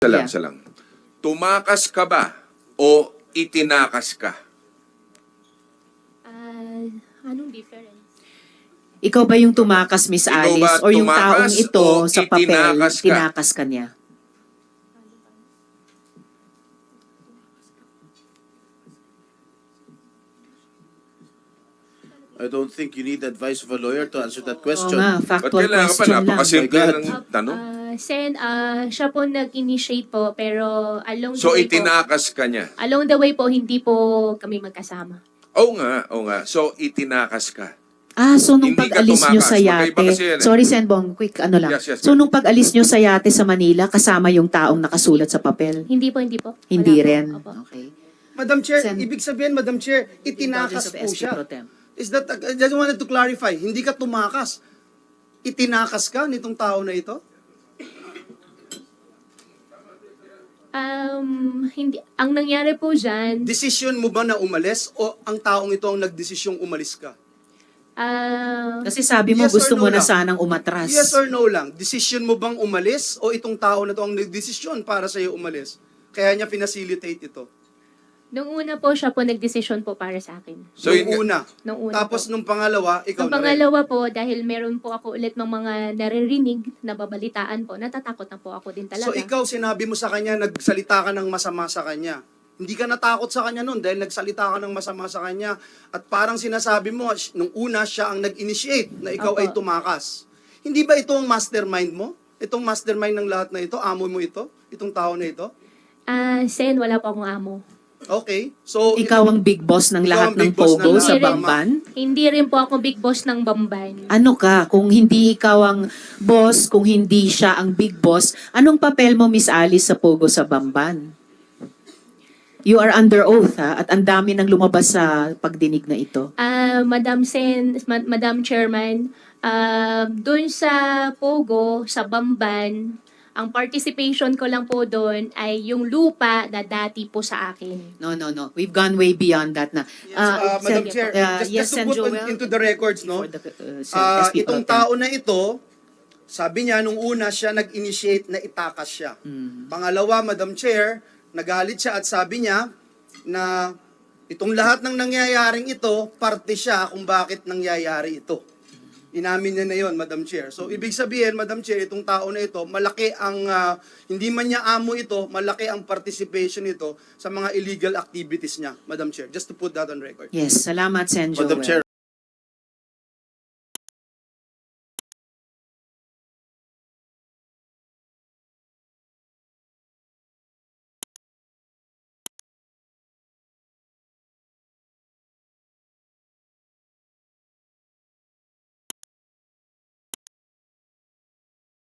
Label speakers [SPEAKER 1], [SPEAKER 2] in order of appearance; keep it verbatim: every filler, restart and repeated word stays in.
[SPEAKER 1] Isa lang,
[SPEAKER 2] Yeah.
[SPEAKER 1] isa lang. Tumakas ka ba o itinakas ka?
[SPEAKER 3] Ah, anong difference?
[SPEAKER 2] Ikaw ba yung tumakas, Miss
[SPEAKER 1] Ikaw
[SPEAKER 2] Alice?
[SPEAKER 1] ba
[SPEAKER 2] Or yung
[SPEAKER 1] tumakas
[SPEAKER 2] taong ito
[SPEAKER 1] o
[SPEAKER 2] sa papel,
[SPEAKER 1] itinakas ka?
[SPEAKER 2] tinakas ka niya?
[SPEAKER 4] I don't think you need the advice of a lawyer to answer that
[SPEAKER 2] Oo
[SPEAKER 4] question.
[SPEAKER 2] nga,
[SPEAKER 1] Ba't
[SPEAKER 2] factual
[SPEAKER 1] kailangan pa?
[SPEAKER 2] question lang.
[SPEAKER 1] Napakasimple
[SPEAKER 4] My God.
[SPEAKER 1] ng tanong.
[SPEAKER 3] Ah, Sen, ah, siya po nag-initiate po, pero along
[SPEAKER 1] So,
[SPEAKER 3] the way po,
[SPEAKER 1] itinakas ka niya.
[SPEAKER 3] along the way po, hindi po kami magkasama.
[SPEAKER 1] Oo nga, oo nga. So, itinakas ka.
[SPEAKER 2] Ah, so nung
[SPEAKER 1] Hindi ka
[SPEAKER 2] pag-alis nyo sa
[SPEAKER 1] tumakas. Magkaiba
[SPEAKER 2] yate,
[SPEAKER 1] kasi yan eh.
[SPEAKER 2] sorry Senbong, quick ano lang.
[SPEAKER 1] Yes, yes,
[SPEAKER 2] So
[SPEAKER 1] yes.
[SPEAKER 2] nung pag-alis nyo sa yate sa Manila, kasama yung taong nakasulat sa papel?
[SPEAKER 3] Hindi po, hindi po. Wala
[SPEAKER 2] Hindi
[SPEAKER 3] po.
[SPEAKER 2] rin?
[SPEAKER 3] Opo.
[SPEAKER 2] Okay.
[SPEAKER 5] Madam Chair,
[SPEAKER 2] Sen-
[SPEAKER 5] ibig sabihin, Madam Chair,
[SPEAKER 2] Indulgence
[SPEAKER 5] itinakas
[SPEAKER 2] of
[SPEAKER 5] po
[SPEAKER 2] S P
[SPEAKER 5] siya.
[SPEAKER 2] Pro Tem.
[SPEAKER 5] Is that, I just wanted to clarify, hindi ka tumakas. Itinakas ka nitong tao na ito?
[SPEAKER 3] Um, hindi, ang nangyari po dyan,
[SPEAKER 5] Decision mo ba na umalis o ang taong ito ang nagdesisyong umalis ka?
[SPEAKER 3] ah,
[SPEAKER 2] Kasi sabi mo
[SPEAKER 5] Yes or
[SPEAKER 2] gusto
[SPEAKER 5] no
[SPEAKER 2] mo na
[SPEAKER 5] lang?
[SPEAKER 2] sanang umatras.
[SPEAKER 5] Yes or no lang? Decision mo bang umalis o itong tao na ito ang nagdesisyon para sa'yo umalis? Kaya niya pinacilitate ito.
[SPEAKER 3] nung una po siya po nagdesisyon po para sa akin.
[SPEAKER 1] So,
[SPEAKER 5] nung
[SPEAKER 1] yun,
[SPEAKER 5] una.
[SPEAKER 3] Nung una
[SPEAKER 5] Tapos
[SPEAKER 3] po.
[SPEAKER 5] nung pangalawa, ikaw
[SPEAKER 3] Ang
[SPEAKER 5] na rin.
[SPEAKER 3] pangalawa po, dahil meron po ako ulit ng mga naririnig na babalitaan po, natatakot na po ako din talaga.
[SPEAKER 5] So ikaw, sinabi mo sa kanya, nagsalita ka ng masama sa kanya. Hindi ka natakot sa kanya noon dahil nagsalita ka ng masama sa kanya. At parang sinasabi mo, sh- nung una, siya ang nag-initiate na ikaw
[SPEAKER 3] Opo.
[SPEAKER 5] ay tumakas. Hindi ba ito ang mastermind mo? Itong mastermind ng lahat na ito? Amo mo ito? Itong tao na ito?
[SPEAKER 3] Ah, Sen, wala po akong amo.
[SPEAKER 5] Okay. So,
[SPEAKER 2] Ikaw ang big boss ng
[SPEAKER 5] Ikaw
[SPEAKER 2] lahat
[SPEAKER 5] ang
[SPEAKER 2] ng
[SPEAKER 5] big boss ng
[SPEAKER 2] Pogo
[SPEAKER 5] lahat.
[SPEAKER 2] sa
[SPEAKER 3] Hindi rin-
[SPEAKER 2] Bamban?
[SPEAKER 3] Hindi rin po ako big boss ng Bamban.
[SPEAKER 2] Ano ka? Kung hindi ikaw ang boss, kung hindi siya ang big boss, anong papel mo, Miss Alice, sa Pogo sa Bamban? You are under oath, ha? At ang dami nang lumabas sa pagdinig na ito.
[SPEAKER 3] Ah, Madam Sen, Ma- Madam Chairman, ah, doon sa Pogo, sa Bamban, ang participation ko lang po doon ay yung lupa na dati po sa akin.
[SPEAKER 2] No, no, no. We've gone way beyond that na.
[SPEAKER 5] yes, uh, Madam
[SPEAKER 2] Sen-
[SPEAKER 5] Chair,
[SPEAKER 2] uh,
[SPEAKER 5] just,
[SPEAKER 2] yes,
[SPEAKER 5] just to
[SPEAKER 2] Sen
[SPEAKER 5] put
[SPEAKER 2] Joel,
[SPEAKER 5] on- into the records, no?
[SPEAKER 2] for the, uh, Sen-
[SPEAKER 5] Ah,
[SPEAKER 2] S P Pro
[SPEAKER 5] itong
[SPEAKER 2] Tem.
[SPEAKER 5] tao na ito, sabi niya, nung una siya nag-initiate na itakas siya.
[SPEAKER 2] Mm.
[SPEAKER 5] Pangalawa, Madam Chair, nagalit siya at sabi niya na itong lahat ng nangyayaring ito, parte siya kung bakit nangyayari ito. Inamin niya na yon, Madam Chair. So, ibig sabihin, Madam Chair, itong tao na ito, malaki ang, ah, hindi man niya amo ito, malaki ang participation nito sa mga illegal activities niya, Madam Chair. Just to put that on record.
[SPEAKER 2] Yes, salamat, Sen Joel.
[SPEAKER 4] Madam Chair,